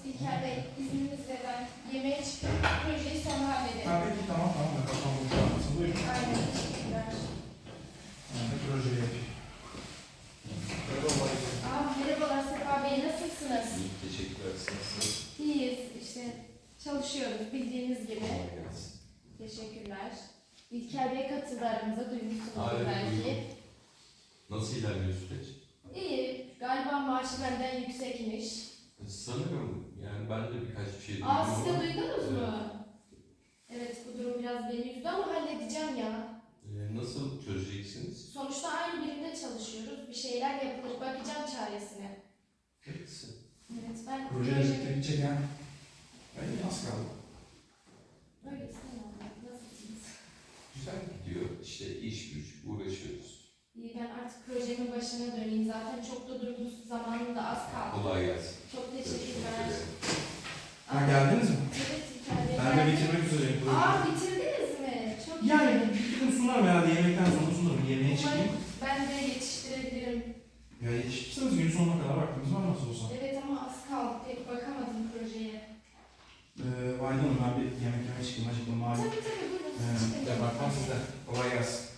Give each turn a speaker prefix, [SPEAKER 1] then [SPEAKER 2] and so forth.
[SPEAKER 1] İlker Bey, izninizle ben yemeğe çıkıp projeyi sonra halledelim.
[SPEAKER 2] Ha, peki tamam. Ben kafam boşalmasın. Buyurun.
[SPEAKER 1] Aynen, teşekkürler.
[SPEAKER 2] Ben de projeyi yapayım.
[SPEAKER 1] Merhabalar Sefa Bey, nasılsınız?
[SPEAKER 3] İyi, teşekkürler. Nasılsınız?
[SPEAKER 1] İyiyiz, işte çalışıyoruz bildiğiniz gibi.
[SPEAKER 3] Kolay gelsin.
[SPEAKER 1] Teşekkürler. İlker Bey katıldı aramıza, duymuşsunuzdur
[SPEAKER 3] Evet,
[SPEAKER 1] belki.
[SPEAKER 3] duydum. Nasıl ilerliyor süreç?
[SPEAKER 1] İyi, galiba maaşı benden yüksekmiş.
[SPEAKER 3] Sanırım yani ben de birkaç bir şey duydum.
[SPEAKER 1] Siz de
[SPEAKER 3] ama,
[SPEAKER 1] duydunuz mu? Evet, bu durum biraz beni üzdü ama halledeceğim ya.
[SPEAKER 3] Nasıl çözeceksiniz?
[SPEAKER 1] Sonuçta aynı birimde çalışıyoruz. Bir şeyler yapılır, bakacağım çaresine.
[SPEAKER 3] Evet.
[SPEAKER 1] Evet, ben
[SPEAKER 2] Projeyle birlikte gidecek ha. Ben az kaldı.
[SPEAKER 1] Öyle istemem. Nasılsınız?
[SPEAKER 3] Güzel gidiyor. İşte iş güç uğraşıyoruz.
[SPEAKER 1] İyi, ben artık projemin başına döneyim. Zaten çok da durgun zamanım da az kaldı.
[SPEAKER 3] Kolay gelsin.
[SPEAKER 1] Çok
[SPEAKER 3] Görüşmek
[SPEAKER 1] teşekkürler.
[SPEAKER 3] üzere.
[SPEAKER 2] Ha, geldiniz mi?
[SPEAKER 1] Evet, İlker Bey.
[SPEAKER 2] Ben de bitirmek üzereyim projeyi.
[SPEAKER 1] Bitirdiniz mi? Çok
[SPEAKER 2] Yani
[SPEAKER 1] iyi.
[SPEAKER 2] bitirdim sunarım herhalde. Yemekten sonra sunarım. Yemeğe çıkayım.
[SPEAKER 1] Umarım ben de yetiştirebilirim.
[SPEAKER 2] Ya yetişirseniz günün sonuna kadar vaktimiz var nasıl olsa.
[SPEAKER 1] Evet ama az kaldı. Pek bakamadım projeye.
[SPEAKER 2] Vayda Hanım, ben bir yemek yemeye çıkayım. Acıktım malum.
[SPEAKER 1] Tabii buyurun.
[SPEAKER 2] Ya bakmam sizden. Kolay gelsin.